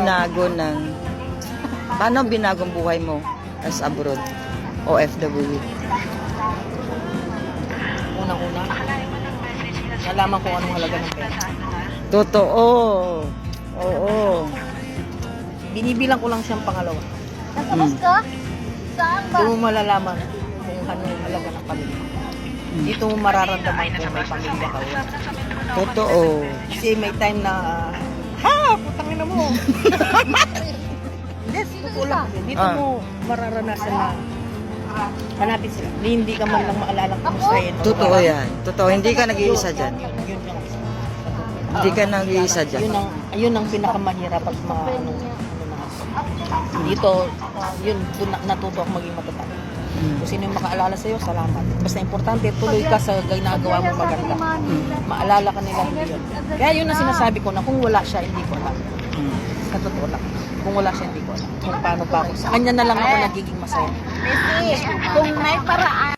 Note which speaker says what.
Speaker 1: binago ng... Paano binago ang buhay mo as abroad? OFW.
Speaker 2: Unang-una, nalaman ko anong halaga ng pera.
Speaker 1: Totoo. Oo.
Speaker 2: Binibilang ko lang siyang pangalawa.
Speaker 3: Nagtapos ka? Saan ba?
Speaker 2: Doon mo malalaman kung ano yung halaga ng pamilya. Dito mo mararamdaman kung may pamilya ka.
Speaker 1: Totoo.
Speaker 2: Kasi may time na, putangin na mo. Yes, totoo lang. Dito mo mararanasan na hanapin sila. Hindi ka man lang maalala kung mustahin.
Speaker 1: Totoo yan. Totoo. Hindi ka nag-iisa dyan.
Speaker 2: Yun yung
Speaker 1: Hindi ka nag-iisa dyan.
Speaker 2: yun ang pinakamahirap at mga ano na. Dito, yun, doon natuto ako maging matatag. Kung sino yung makaalala sa'yo, salamat. Basta importante, tuloy ka sa ginagawa mo maganda. Maalala ka nila hindi yun. Kaya yun ang sinasabi ko na kung wala siya, hindi ko alam. Sa totoo lang. Kung wala siya, hindi ko alam. Kung paano pa ako. Sa kanya na lang ako nagiging masaya.
Speaker 3: Messi, kung may paraan